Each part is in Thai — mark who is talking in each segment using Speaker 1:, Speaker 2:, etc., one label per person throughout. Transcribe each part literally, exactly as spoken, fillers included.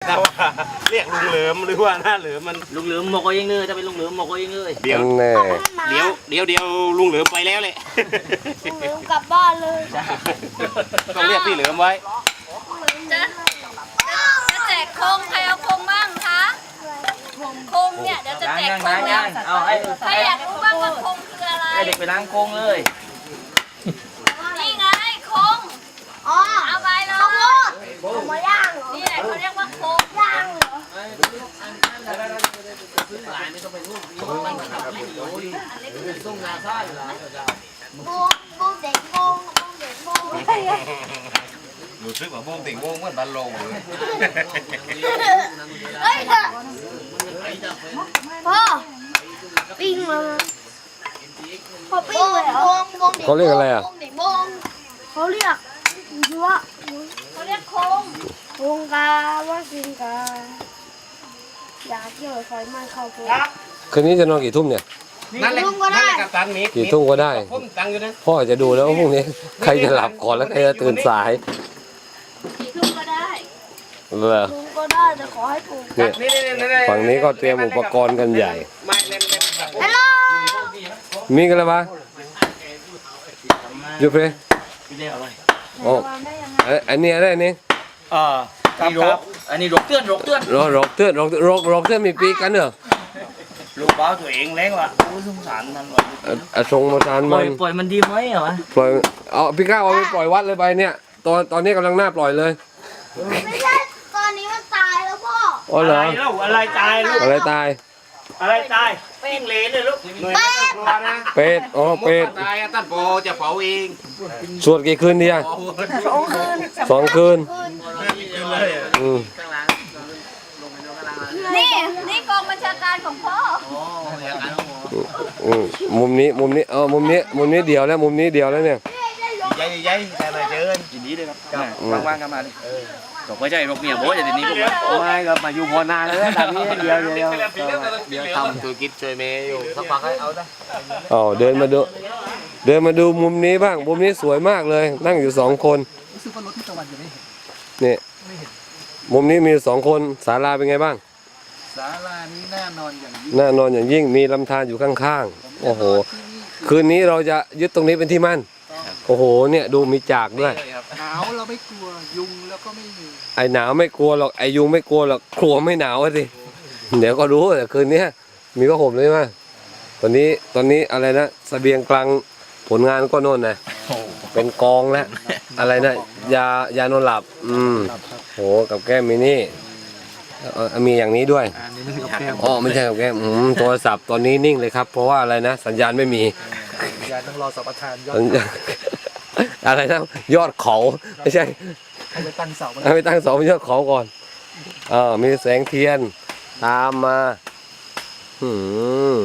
Speaker 1: แต่ว่าเรียกลุงเหลิมหรือว่าหน้าเหลิมมัน
Speaker 2: ลุงเหลิมหมกเอาเองเลยจะเป็นลุงเหลิมหมกเอาเองเลย
Speaker 1: เดี๋ยว
Speaker 3: แน่
Speaker 1: เดี๋ยวเดี๋ยวเดี๋ยวลุงเหลิมไปแล้วเลย
Speaker 4: ลุงเหลิมกลับบ้านเลย
Speaker 1: ต้องเรียกพี่เหลิมไว้
Speaker 5: จะจะแจกโคงใครเอาโคงบ้างคะโคงเนี่ยเดี๋ยวจะแจกโคงแล้ว
Speaker 2: เอาให้
Speaker 5: ใครอยากรู้บ้างว่าโคงคืออะไร
Speaker 2: ให้เด็กไปล้างโคงเลย
Speaker 5: นี่ไงโคง
Speaker 4: อ๋อ
Speaker 5: เอาไปเลย
Speaker 4: เอามาย่างเหรอ
Speaker 5: นี่แหละเขาเรียกว่าโคง
Speaker 4: ย่างเหรอโบโบเด็กโบโบเด็กโบ
Speaker 1: รู้สึกว่าโมงติ่งโมงเหมือนบัลลงเลย
Speaker 4: เฮ้ยพ่อปิ้งมาพ่อปิ้งเลยเหรอ
Speaker 3: เขาเรียกอะไรอ่ะ
Speaker 4: เด็กโบงเขาเรียกยัว
Speaker 5: เขาเรียกโคง
Speaker 4: วงกาว่าสิงกาอยากเกี่ยวไฟไหม้เข้าตัว
Speaker 3: คืนนี้จะนอนกี่ทุ่มเนี่ย
Speaker 1: นั่นแหละนั่นแหละกับตันมิก
Speaker 3: กี่ทุ่มก็ได้
Speaker 1: ผมตังอยู่นะ
Speaker 3: พ่อจะดูแล้วว่าพรุ่งนี้ใครจะหลับก่อนแล้วใครจะตื่นสาย
Speaker 5: กี่ทุ่มก็ได้
Speaker 3: เหรอ
Speaker 4: ลุงก็ได้แต่ขอให้ถูก
Speaker 3: เนี่ย
Speaker 1: นี่นี่นี่
Speaker 3: ฝั่งนี้ก็เตรียมอุปกรณ์กันใหญ่
Speaker 1: ไม่เล่นเล่นแบบ
Speaker 4: ฮัลโหล
Speaker 3: มีกันแล้วปะยูเพร
Speaker 2: พี่เรียกอะไร
Speaker 3: โอ้อันนี้อะไรอันนี้
Speaker 2: อ่านี่รกอันนี้รกเตือนรกเตือน
Speaker 3: รอกรอกเตือนรอกรอกรอกเตือนมีปีกันเหรอ
Speaker 2: ลูกบ้าตัวเองเล้งว่ะโอ้สงสารมันว่ะ
Speaker 3: อ่ะอ่ะทรงมาทาน
Speaker 2: ปล่
Speaker 3: มั
Speaker 2: อย
Speaker 3: น
Speaker 2: ปล่อยมันดีไหมเหรอวะ
Speaker 3: ปล่อยเอาพี่ก้าวเอาไปปล่อยวัดเลยไปเนี่ยตอนตอนนี้กำลังหน้าปล่อยเลย
Speaker 4: ไม่ใช่ตอนนี้มันตายแล้วพ่อ
Speaker 3: อ๋อเหรอ
Speaker 2: ลูกอะไรตายลูก
Speaker 3: อะไรตาย
Speaker 2: อะไรตายปิ้งเลนเลยลูก
Speaker 1: หน่วยไม่ต้องกลัวนะ
Speaker 3: เป็ดอ๋อเป็ด
Speaker 1: ตายอะตันโปจะเผาเอง
Speaker 3: สวดกี่คืนดีอ่ะ
Speaker 4: สองคืน
Speaker 3: สองคืน
Speaker 1: คืนเลยอะ
Speaker 3: อืม
Speaker 5: นี่นี่กองบัญชาการของพ่อ
Speaker 3: อืมมุมนี้มุมนี้เออมุมนี้มุมนี้เดียวแล้วมุมนี้เดียวแล้วเนี่ย
Speaker 1: ยัยยัยแต่ละเจอ
Speaker 2: ยินดีเลยครับว่างๆกันมาดิตกไม่ใช่รกเนี่ยโบ้จะเดี๋ยวนี้พวกมัน
Speaker 1: ไม่ก็มาอยู่พอนานแล้วตอนนี้เดียวเดียวเดียวทำธุรกิจช่วยเมย์อยู่สักพักให้เอาได้
Speaker 3: อ๋อเดินมาดูเดินมาดูมุมนี้บ้างมุมนี้สวยมากเลย นั่งอยู่สองคนนี่มุมนี้มีสองคนศาลาเป็นไงบ้าง
Speaker 6: ศาลานี้น่านอนอย่างยิ่ง
Speaker 3: น่านอนอย่างยิ่งมีลำธารอยู่ข้างๆโอ้โหคืนนี้เราจะยึดตรงนี้เป็นที่มั่นโอ้โหเนี่ยดูมีจากด้วย
Speaker 6: หนาวเราไม่กลัวยุงแล้วก็ไม่มี
Speaker 3: ไอหนาวไม่กลัวหรอกไอยุงไม่กลัวหรอกกลัวไม่หนาวอะสิเดี๋ยวก็รู้แต่คืนนี้มีผ้าห่มเลยมั้ยตอนนี้ตอนนี้อะไรนะเสบียงกลางผลงานก็โน่นนะเป็นกองแล้วอะไรนะยายานอนหลับอืมโหกับแก้มมีนี่เอ่อมีอย่างนี้ด้วย
Speaker 6: อันนี้ไม่ใช่กับแก้ม
Speaker 3: อ๋อไม่ใช่กับแก้มอืมโทรศัพท์ตอนนี้นิ่งเลยครับ เพราะว่าอะไรนะสัญญาณไม่มี
Speaker 6: ยาต้องรอสัมปทานยอด
Speaker 3: สัญญาณอะไรนะยอดเขาไม่ใช่
Speaker 6: ให้ไปตั้งเสา
Speaker 3: ให้ไปตั้งเสาบนยอดเขาก่อนอ่ามีแสงเทียนตามมาหืม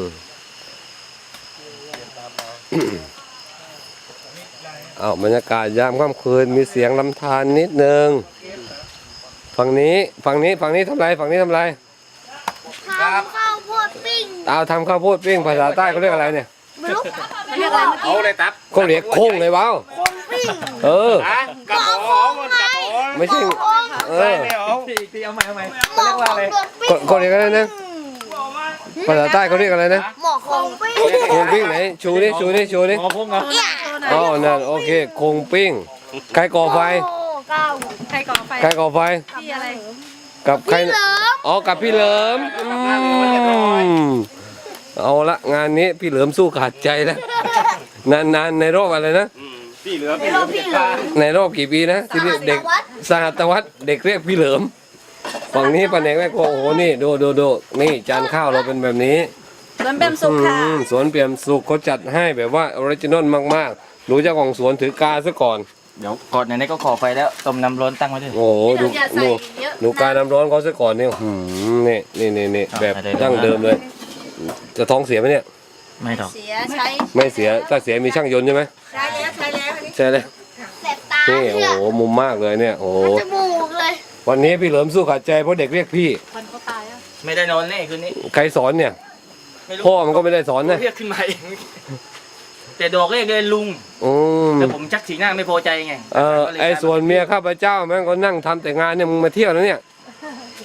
Speaker 3: อ้าวบรรยากาศยามค่ำคืนมีเสียงลำธารนิดนึงฝั่งนี้ฝั่งนี้ฝั่งนี้ทำไรฝั่งนี้ทำไร
Speaker 4: ทำข้าวโพดปิ้ง
Speaker 3: เอาทำข้าวโพดปิ้งภาษาใต้เขาเรียกอะไรเนี่ย
Speaker 4: ไม่รู้
Speaker 5: เรียกอะไรเมื่อ
Speaker 1: เอา
Speaker 5: กี้
Speaker 1: เลยตับ
Speaker 3: เขาเรียกโค้งเลยว้าว
Speaker 4: คนปิ้ง
Speaker 3: เออ
Speaker 1: อะกระโปงมันกระโปง
Speaker 3: ไม่ใช่เอ
Speaker 1: ใช่
Speaker 3: อ
Speaker 1: ไม่เอา
Speaker 2: พี่พี่เอาใหม่เอาใหม่
Speaker 4: หมอของเดือดปิ้ง
Speaker 3: เขาเขาเรียกอะไรนะภาษาใต้เขาเรียกอะไรนะ
Speaker 4: หมอของปิ้ง
Speaker 3: โคงปิ้งไหนชูดิชูดิชูดิ
Speaker 2: หมอพงเหรอ
Speaker 4: เนี่ย
Speaker 3: อ๋อนั่นโอเคโคงปิ้งใครก่อไฟ
Speaker 4: โอ้เก้า
Speaker 5: ใครก่อไฟ
Speaker 3: ใครก่อไฟ
Speaker 5: ที่อะไร
Speaker 3: กับใคร
Speaker 4: พี่เหลิม
Speaker 3: อ๋อกับพี่เหลิมอืมเอาละงานนี้พี่เหลิมสู้ขาดใจแล้วนานๆในรอบอะไรนะ
Speaker 1: อืมพี่เหลือ
Speaker 4: พี่
Speaker 1: พี่
Speaker 4: เห
Speaker 1: เห
Speaker 4: ลิ
Speaker 1: ลือ
Speaker 4: มพี่เหลิม
Speaker 3: ในรอบกี่ปีนะที่เด็กสหัตวัฒน์เด็กเรียกพี่เหลิมฝั่งนี้ปะแหนกแม่โครัวโอ้โหนี่ดูดูดูนี่จานข้าวเราเป็นแบบนี้
Speaker 5: สวนเบมสุขค่ะ
Speaker 3: อืมสวนเปี่ยมสุขเขาจัดให้แบบว่าออริจินอลมากๆรู้เจ้าของสวนถือกาซะก่อน
Speaker 2: เดี๋ยวก่อนไหนๆก็ขอไฟแล้วต้มน้ำร้อนตั้งไว้ด้วย
Speaker 3: โอ้โหดูดูดูการน้ำร้อนเขาซะก่อนเนี่ยหืมนี่นี่นี่นี่แบบดั้งเดิมเลย จะท้องเสียไหมเนี่ย
Speaker 2: ไม่หรอก
Speaker 5: เสียใช้
Speaker 3: ไม่เสียถ้าเสียมีช่างยนต์ใช่ไหม
Speaker 5: ใช้แล้วใช้แล้ว
Speaker 3: ใช่เลย
Speaker 4: แสบตา
Speaker 3: นี่
Speaker 4: เนี่
Speaker 3: โอ้
Speaker 4: ย
Speaker 3: โหมุมมากเลยเนี่ยโอ้โห
Speaker 4: จมูกเลย
Speaker 3: วันนี้พี่เหลิมสู้ขาดใจเพราะเด็กเรียกพี่
Speaker 5: มันก็ตายอ่ะ
Speaker 2: ไม่ได้นอนแน่คืนนี้
Speaker 3: ใครสอนเนี่ย
Speaker 2: ไม่รู้
Speaker 3: พ่อมันก็ไม่ได้สอนนะ
Speaker 2: เรียกขึ้นมาเองแต่ดอกเรียกเลยลุง
Speaker 3: อืม
Speaker 2: แต่ผมชักสีหน้าไม่พอใจไง
Speaker 3: เออไอ้ส่วนเมียข้าพเจ้าแม่งก็นั่งทำแต่งานเนี่ยมึงมาเที่ยวแล้วเนี่ย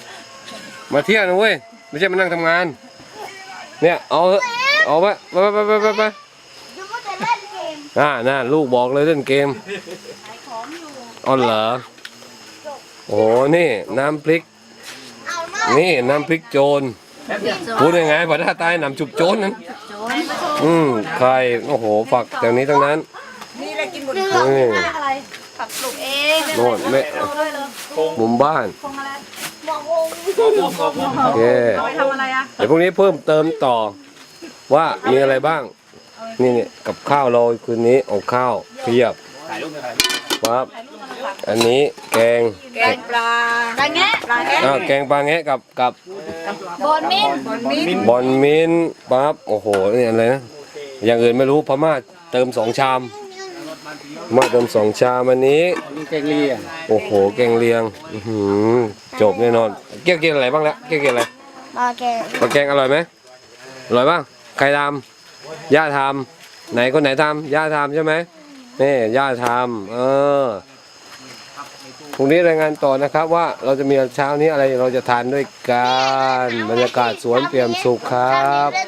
Speaker 3: มาเที่ยวนะเว้ยไม่ใช่มานั่งทำงาน เนี่ยเอาเถอะเอาไปไปไปไปไปไป
Speaker 4: ดูว่าจะเล่นเกม
Speaker 3: อ่าน่าลูกบอกเลยเล่นเกมอ๋อเหรอโอ้โหนี่น้ำพริก
Speaker 4: เอามา
Speaker 3: นี่น้ำพริกโจรพูดยังไงภาษาใต้น้ำจุบโจรนั้นอืมใครโอ้โหฝักแถวนี้ทั้งนั้น
Speaker 4: นี่อะไรกินหมด
Speaker 3: นี่
Speaker 4: อะไร
Speaker 5: ผักปลูกเอง
Speaker 3: โน่นแม่มุมบ้าน
Speaker 4: หมอกวง
Speaker 3: โอเค
Speaker 5: ไปทำอะไรอ่ะ
Speaker 3: เดี๋ยวพรุ่งนี้เพิ่มเติมต่อว่ามีอะไรบ้าง นี่เนี่ยกับข้าวเราคืนนี้เอาข้าวเพียบครับอันนี้แกง
Speaker 5: แกงปลาปลาแงะปลาแงะ
Speaker 3: อ่าแกงปลาแงะกับกับบ
Speaker 5: อนมิ้นบอนมิ้น
Speaker 3: บอนมินปั๊บโอ้โหนี่อะไรนะอย่างอื่นไม่รู้พม่าเติมสองชามมาเติมสองชามอันนี้
Speaker 6: นี่แกงเลียง
Speaker 3: โอ้โหแกงเลียงอื้อหือจบแน่นอนเกี่ยวกินอะไรบ้างแล้วเกี่ยวกินอะไร
Speaker 4: มาแกง
Speaker 3: ปลาแกงอร่อยไหมอร่อยป่ะใครทำย่าทำไหนคนไหนทำย่าทำใช่ไหมนี่ย่าทำเออพรุ่งนี้รายงานต่อนะครับว่าเราจะมีเช้านี้อะไรเราจะทานด้วยกันบรรยากาศสวนเปี่ยมสุขครับ